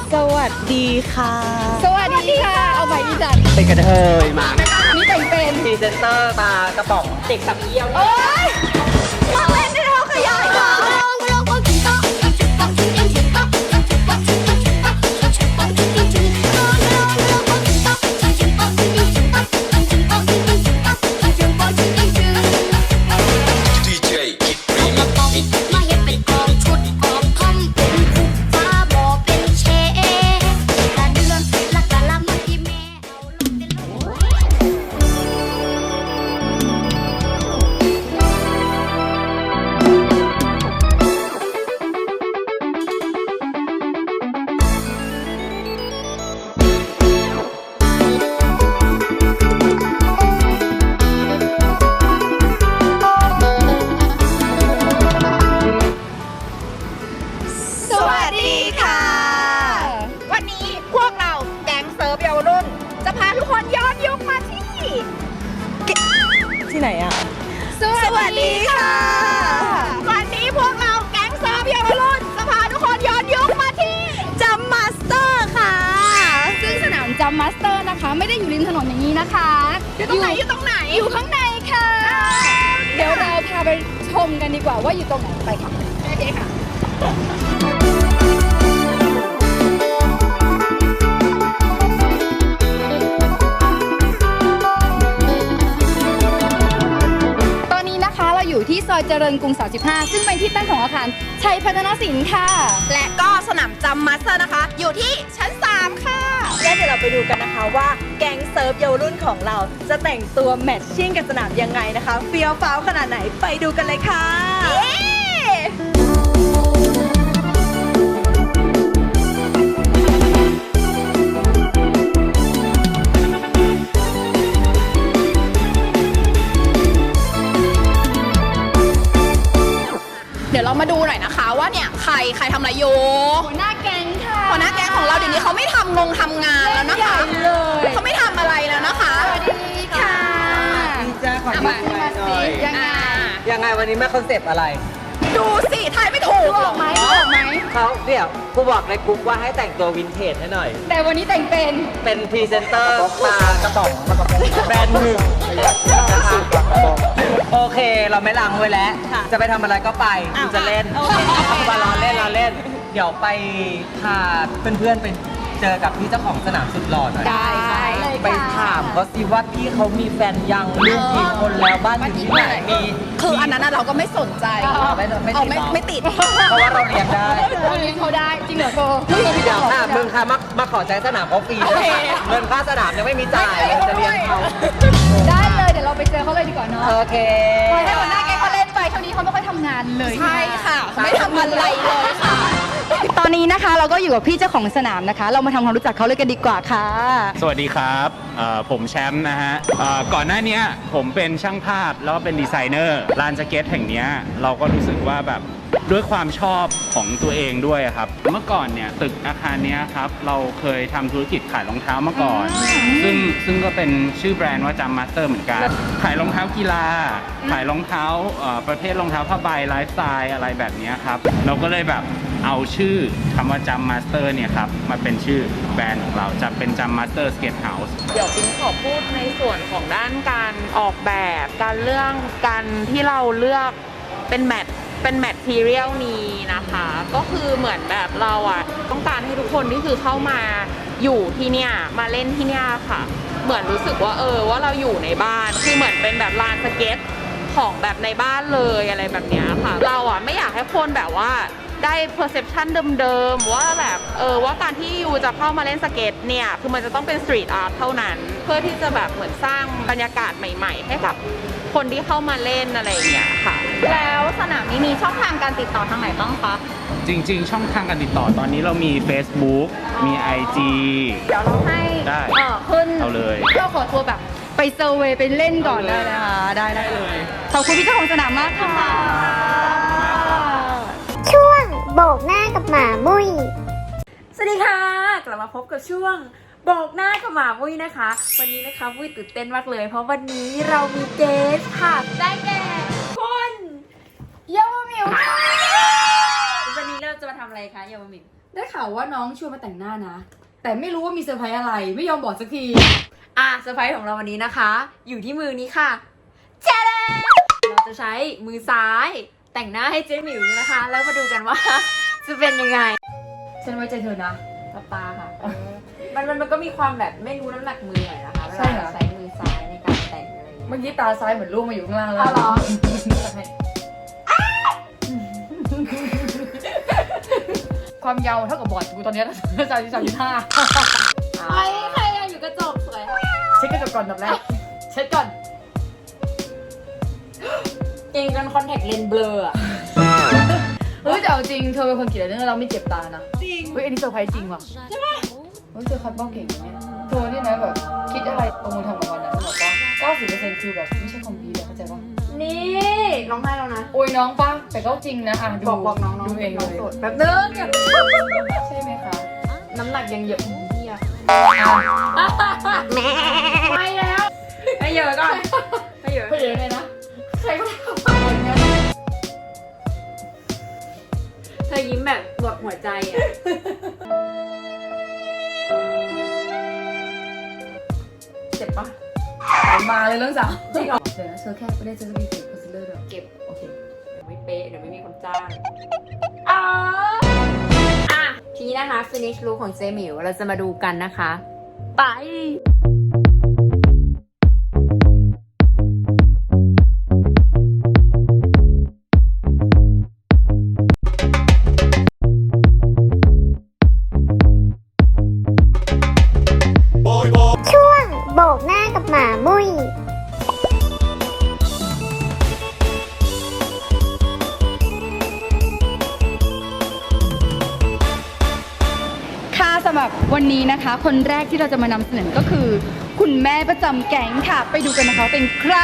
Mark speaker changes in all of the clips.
Speaker 1: สวัสดีค่ะ
Speaker 2: สวัสดีค่ะเอาใหม่ดีจัด
Speaker 3: เป็นกระเทยมา
Speaker 2: นี่แต่งเป็น
Speaker 3: พรีเซนเตอร์มากระป๋องเด็กสับเยี่ยว
Speaker 2: โอ๊ยมาเล่นในท้องขยายค่ะ
Speaker 1: ที่ไหนอ่ะ
Speaker 2: สวัสดีค่ะวันนี้พวกเราแก๊งเซิร์ฟเยาวรุ่นจะพาทุกคนย้อนยุคมาที่
Speaker 1: จัมมาสเตอร์ค่ะ
Speaker 2: ซึ่งสนามจัมมาสเตอร์นะคะไม่ได้อยู่ริมถนนอย่างนี้นะคะอยู่ตรงไหนอยู่ข้างในค่ะเดี๋ยวเราพาไปชมกันดีกว่าว่าอยู่ตรงไหนไปค่ะโอเคค่ะอยู่ที่ซอยเจริญกรุง 35 ซึ่งเป็นที่ตั้งของอาคารชัยพัฒนสินค่ะ
Speaker 1: และก็สนามจัมมาสเตอร์นะคะอยู่ที่ชั้น 3 ค่ะและเดี๋ยวเราไปดูกันนะคะว่าแก๊งเซิร์ฟเยาวรุ่นของเราจะแต่งตัวแมทชิ่งกับสนามยังไงนะคะเฟี้ยวฟ้าวขนาดไหนไปดูกันเลยค่ะ
Speaker 2: เดี๋ยวเรามาดูหน่อยนะคะว่าเนี่ยใครทำอะไรอยู่หัวหน้าแก๊งค่ะหัวหน้าแก๊งของเราเดี๋ยวนี้เขาไม่ทำงานแล้วนะคะเขาไม่ทำอะไรแล้วนะคะสวัสดีค่ะ
Speaker 3: ดีจ้าขอดูหน่อยยังไงวันนี้แม่คอนเซปต์อะไร
Speaker 2: ดูสิทายไม่ถูกหรอกไหม
Speaker 3: เขาเดี๋ยวกูบอกในกลุ่มว่าให้แต่งตัววินเทจให้หน่อย
Speaker 2: แต่วันนี้แต่ง
Speaker 3: เป็นพรีเซนเตอร์มากระป๋องแบรนด์หนึ่งโอเคเราไม่ลังไว้แล้วจะไปทำอะไรก็ไปกูจะเล่นมาล้อเล่นเดี๋ยวไปพาเพื่อนๆไปเจอกับพี่เจ้าของสนามสุดหล่อหน่อย
Speaker 2: ได้
Speaker 3: ไปถามเขาสิว่าพี่เขามีแฟนยังลูกกี่คนแล้วบ้านอยู่ที่ไหนมี
Speaker 2: คืออันนั้นเราก็ไม่สนใจไม่ติด
Speaker 3: เพราะว่าเราเรียนได้
Speaker 2: เรียนเขาได้จริงเหรอโบ
Speaker 3: เดี๋ยวค่ะมึงค่ะมาขอใช้สนามเขาฟรีเงินค่าสนามยังไม่มีจ่ายจะเรียนเขา
Speaker 2: ได้เลยเดี๋ยวเราไปเจอเขาเลยดีกว่าเนาะ
Speaker 3: โอเค
Speaker 2: ให้หัวหน้าแกเขาเล่นไปเท่านี้เขาไม่ค่อยทำงานเลยใช่ค่ะไม่ทำอะไรเลยค่ะตอนนี้นะคะเราก็อยู่กับพี่เจ้าของสนามนะคะเรามาทำความรู้จักเขาเลยกันดีกว่าค่ะ
Speaker 4: สวัสดีครับผมแชมป์นะฮะก่อนหน้านี้ผมเป็นช่างภาพแล้วก็เป็นดีไซเนอร์ลานสเก็ตแห่งนี้เราก็รู้สึกว่าแบบด้วยความชอบของตัวเองด้วยครับเมื่อก่อนเนี่ยตึกอาคารนี้ครับเราเคยทำธุรกิจขายรองเท้ามาก่อนซึ่งก็เป็นชื่อแบรนด์ว่าจัมมาสเตอร์เหมือนกันขายรองเท้ากีฬาขายรองเท้าประเภทรองเท้าผ้าใบไลฟ์สไตล์อะไรแบบนี้ครับเราก็เลยแบบเอาชื่อคำว่าจัมมาสเตอร์เนี่ยครับมาเป็นชื่อแบรนด์ของเราจะเป็นจัมมาสเตอร์สเก็ตเฮาส์
Speaker 5: เดี๋ยวปิ๊งขอพูดในส่วนของด้านการออกแบบการที่เราเลือกเป็นแมททีเรียลนี้นะคะก็คือเหมือนแบบเราต้องการให้ทุกคนที่คือเข้ามาอยู่ที่เนี่ยมาเล่นที่เนี่ยค่ะเหมือนรู้สึกว่าว่าเราอยู่ในบ้านคือเหมือนเป็นแบบลานสเก็ตของแบบในบ้านเลยอะไรแบบนี้ค่ะเราไม่อยากให้คนแบบว่าได้ perception เดิมๆว่าแบบว่าการที่ยูจะเข้ามาเล่นสเก็ตเนี่ยคือมันจะต้องเป็นสตรีทอาร์ตเท่านั้นเพื่อที่จะแบบเหมือนสร้างบรรยากาศใหม่ๆให้กับคนที่เข้ามาเล่นอะไรอย่างเงี้ยค่ะแล้วสนามนี้มีช่องทางการติดต่อทางไหนบ้างคะ
Speaker 4: จริงๆช่องทางการติดต่อตอนนี้เรามี Facebook มี IG
Speaker 5: เดี๋ยวเราให้
Speaker 4: ได้
Speaker 5: ขึ้น
Speaker 4: เอาเลย
Speaker 2: เราขอตัวแบบไปเซอร์เวย์ไปเล่นก่อนได้เลยค่ะได้เลยขอบคุณพี่เจ้าของสนามมากค่ะ
Speaker 6: ช่วงโบกหน้ากับหมามุ้ย
Speaker 7: สวัสดีค่ะกลับมาพบกับช่วงโบกหน้ากับหมามุ้ยนะคะวันนี้นะคะมุ้ยตื่นเต้นมากเลยเพราะวันนี้เรามีเกสค่ะได้แก่คุณเยาวมิววันนี้เราจะมาทำอะไรคะเยาวมิว
Speaker 2: ได้ข่าวว่าน้องชวนมาแต่งหน้านะ แต่ไม่รู้ว่ามีเซอร์ไพรส์อะไรไม่ยอมบอกสักที
Speaker 7: เซอร์ไพรส์ของเราวันนี้นะคะ อยู่ที่มือนี้ค่ะเจ๊เราจะใช้มือซ้ายแต่งหน้าให้เจ๊หมิวนะคะ แล้วมาดูกันว่า จะเป็นยังไง
Speaker 2: ฉันไว้ใจเธอนะ
Speaker 7: ตาค่ะ มันก็มีความแบบไม่รู้น้ำหนักมือหน่อยนะคะเว
Speaker 2: ใช่
Speaker 7: ลา
Speaker 2: เหรอ
Speaker 7: เราใช้มือซ้ายในการแต่งอะไรอย่างเงี้ย
Speaker 2: เมื่อกี้ตาซ้ายเหมือนล่วงมาอยู่ข้างล่างแล้ว
Speaker 7: อ๋อเหรอ
Speaker 2: ความยาวเท่ากับบอร์ดกูตอนนี้33.5
Speaker 7: ไอ้ใครอะอยู่กระจกสวย
Speaker 2: เช็คกระจกก่อนอันดับแรกเช็คก่อน
Speaker 7: เก่งกันคอนแทคเลนส์เบลออะ
Speaker 2: เฮ้ยแต่เอาจริงเธอเป็นคนเขียนเรื่องเราไม่เจ็บตานะจริงเฮ้ยอันนี้เซอร์ไพรส์จริงว่ะใช่ปะเฮ้ยเธอคัดบ้องเก่งนะเนี่ยเธอนี่นะแบบคิดอะไรลงมือทำกับมันนะบอกว่า 90% คือแบบไม่ใช่คอมพิวเตอร์เข้าใจปะ
Speaker 7: นี่ร้องไห้แล้วนะ
Speaker 2: โอ้ยน้องปะแต่ก็จริงนะอ่ะดู
Speaker 7: บอกน้อง
Speaker 2: ดูเองเลย
Speaker 7: โสดแบบนึง
Speaker 2: ใช่ไหมคะ
Speaker 7: น้ำหนักยังเยอะเฮียไม่แล้วให้เยอะก่อนให้เยอะ
Speaker 2: เฮ้ยยังไงนะใครก็ทำไปอย่างเงี้ย
Speaker 7: เธอยิ้มแบบหมดหัวใจอ่ะ
Speaker 2: เจ็บปะมาเลยเรื่องสาวจริงเหรอเดี๋ยวนะเธอแค่ไม่ได้เจอสกีเก็บคอนซีลเลอร์ด้วย
Speaker 7: เก็บ
Speaker 2: โอเค
Speaker 7: เดี๋ยวไม่เป๊ะเดี๋ยวไม่มีคนจ้างทีนี้นะคะ finish look ของเจหมิวเราจะมาดูกันนะคะ ไป
Speaker 6: ช่วงโบกหน้ากับหมามุ้ย
Speaker 2: ค่ะสำหรับวันนี้นะคะ คนแรกที่เราจะมานำเสนอก็คือ คุณแม่ประจำแก๊งค่ะ ไปดูกันนะคะว่าเป็นใคร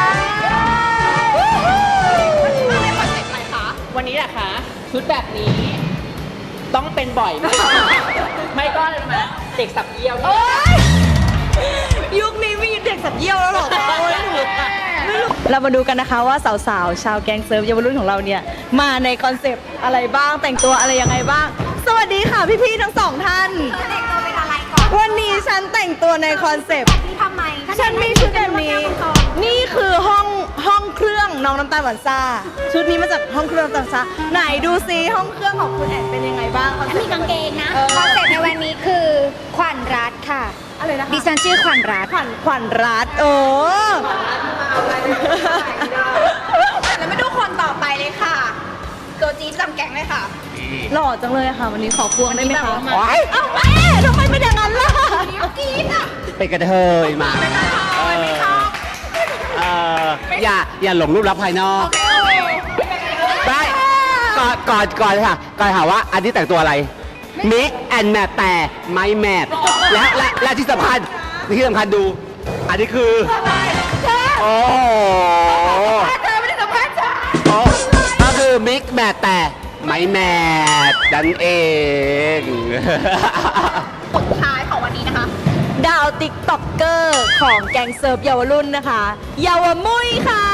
Speaker 5: วันนี้แหละคะชุดแบบนี้ ต้องเป็นบ่อยมากไม่ก็เลยมาเด็กสับเยี่ยวนี่
Speaker 1: ยุคนี้มีเด็กสับเยี่ยวแล้วหรอโอ้ยไม่รู้เรามาดูกันนะคะว่าสาวๆชาวแก๊งเซิร์ฟเยาวรุ่นของเราเนี่ยมาในคอนเซปต์อะไรบ้างแต่งตัวอะไรยังไงบ้าง สวัสดีค่ะพี่ๆทั้งสองท่านแต่งตัวเป็นอะไรก่อนวันนี้ฉันแต่งตัวในคอนเซปต์ทำไมฉันมีชุดแบบนี้นี่คือห้องเครื่องน้องน้ำตาลหวานซ่าชุดนี้มาจากห้องเครื่องน้ำตาลหวานซ่าไหนดูซิห้องเครื่องของคุณแอนเป็นยังไงบ้าง
Speaker 6: มีกางเกงนะคอนเซ็ปต์ในวันนี้คือขวัญรัตน์ค่ะ
Speaker 1: อะไรนะคะ
Speaker 6: ดิฉันชื่อขวัญรัตน์
Speaker 1: ขวัญรัตน์โอ้แล้วมาดูคนต่อไปเลยค่ะตัวจี๊ดจำแก๊งเลยค่ะ หล่อจังเลยค่ะ วันนี้ขอควงได้ไหมคะเอ้าแม่ทำไมเป็นอย่างนั้นล่ะจี๊ดอ่ะ
Speaker 8: เป็นกระเทยมาอย่าหลงรูปลักษณ์ภายนอกได้ก่อนค่ะก่อนถามว่าอันนี้แต่งตัวอะไรมิกแอนแมทแต่ไม่แมทและที่สำคัญดู อันนี้คือโอ้โหก็คือมิกแมทแต่ไม่แมทดันเอง
Speaker 1: สุดท้ายของวันนี้นะคะ ดาวติ๊กต็อกเกอร์ของแก๊งเซิร์ฟเยาวรุ่นนะคะเยาวมุ้ยค่ะ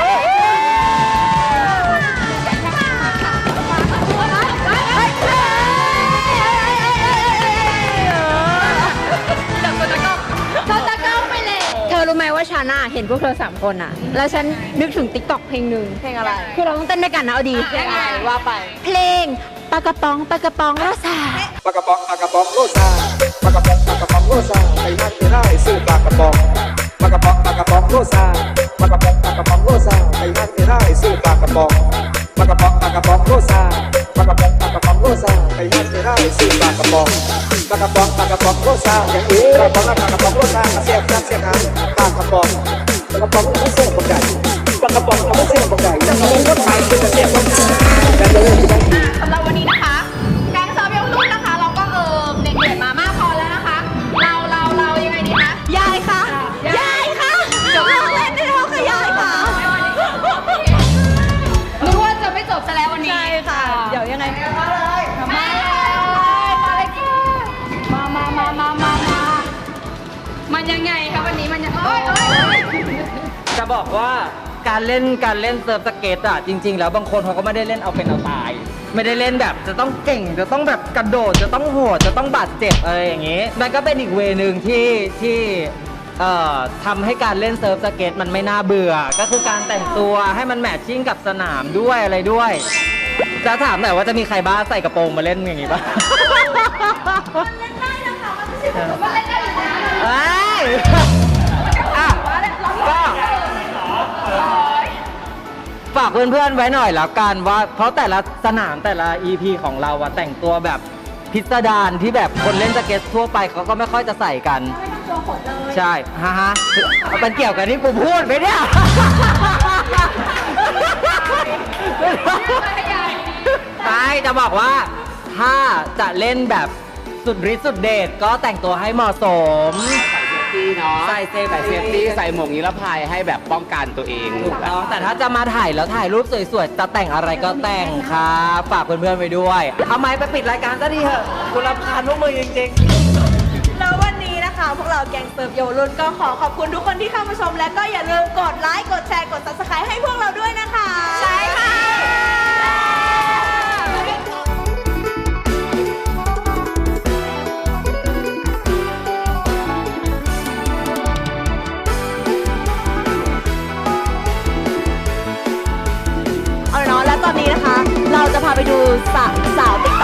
Speaker 7: เธอรู้ไหมว่าฉันอะเห็นพวกเธอ3คนอะแล้วฉันนึกถึงติ๊กต็อกเพลงหนึ่ง
Speaker 1: เพลงอะไร
Speaker 7: คือเราต้องเต้นด้วยกันนะเอาดี
Speaker 1: ยังไงว่าไป
Speaker 7: เพลงปากกระป๋องรสา
Speaker 9: ปลากระป๋องโลซาปลากระป๋องโลซาไปนั่งไม่ได้ซื้อปลากระป๋องปลากระป๋องโลซาปลากระป๋องโลซาไปนั่งไม่ได้ซื้อปลากระป๋องปลากระป๋องโลซาปลากระป๋องโลซาไปนั่งไม่ได้ซื้อปลากระป๋องปลากระป๋องโลซาอย่างนี้ปลากระป๋องโลซากระเสียบน้ำปลากระป๋องไม่เสียบบังไก่ปลากระป๋องไม่เสียบบังไก่จะมาเล่นรถไฟเป็นกระเสียบบังไก่แต่เลยที่นั่น
Speaker 1: สำหรับวันนี้นะคะแก๊งเซิร์ฟเยาวรุ่นนะคะ เราก็เด็กๆมามากพอแล้วนะคะ เรายังไงดีคะยายค่ะยายค่ะเดี๋ยวเราเล่นได้แล้วค่ะยายค่ะ
Speaker 2: นึกว่าจะไม่จบซะแล้ววันนี้
Speaker 1: ใช่ค่ะ เดี๋ยวยังไง
Speaker 2: มาเลยค่ะมันยังไงคะวันนี้มันยังโอ๊ย
Speaker 3: จะบอกว่าการเล่นเซิร์ฟสเก็ตอ่ะจริง ๆ แล้วบางคนเขาก็ไม่ได้เล่นเอาเป็นเอาตาย คไม่ได้เล่นแบบจะต้องเก่งจะต้องแบบกระโดดจะต้องโหดจะต้องบาดเจ็บอะไรอย่างงี้มันก็เป็นอีกเวนึงที่ทำให้การเล่นเซิร์ฟสเก็ตมันไม่น่าเบื่อก็คือการแต่งตัวให้มันแมทชิ่งกับสนามด้วยอะไรด้วยจะถามหน่อยว่าจะมีใครบ้าใส่กระโปรงมาเล่นอย่างงี้ป่ะเล่นได้นะคะมันไม่ใช่ว่าเล่นได้อยู่นะก็ฝากเพื่อนๆไว้หน่อยแล้วกันว่าเพราะแต่ละสนามแต่ละ EP ของเราอะแต่งตัวแบบพิสดารที่แบบคนเล่นสเก็ตทั่วไปเขาก็ไม่ค่อยจะใส่กันใช่ฮะมันเกี่ยวกับที่กูพูดไหมเนี่ยไม่จะบอกว่าถ้าจะเล่นแบบสุดฤทธิ์สุดเดชก็แต่งตัวให้เหมาะสมใส่เซฟ
Speaker 8: ใส่เซฟตี้ใส่หมวกนิรภัยให้แบบป้องกันตัวเอง
Speaker 3: ถูกต้องแต่ถ้าจะมาถ่ายแล้วถ่ายรูปสวยๆจะแต่งอะไรก็แต่งครับฝากเพื่อนๆไว้ด้วยเอาไม้ไปปิดรายการซะดีเถอะคุณรำคาญพวกมือจริงๆ
Speaker 1: แล้ววันนี้นะคะพวกเราแกงเซิร์ฟเยาวรุ่นก็ขอขอบคุณทุกคนที่เข้ามาชม และก็อย่าลืมกดไลค์กดแชร์กด Subscribe ให้พวกเราด้วยนะคะ ใช่ค่ะเอาเนาะและตอนนี้นะคะเราจะพาไปดูสาวติ๊ก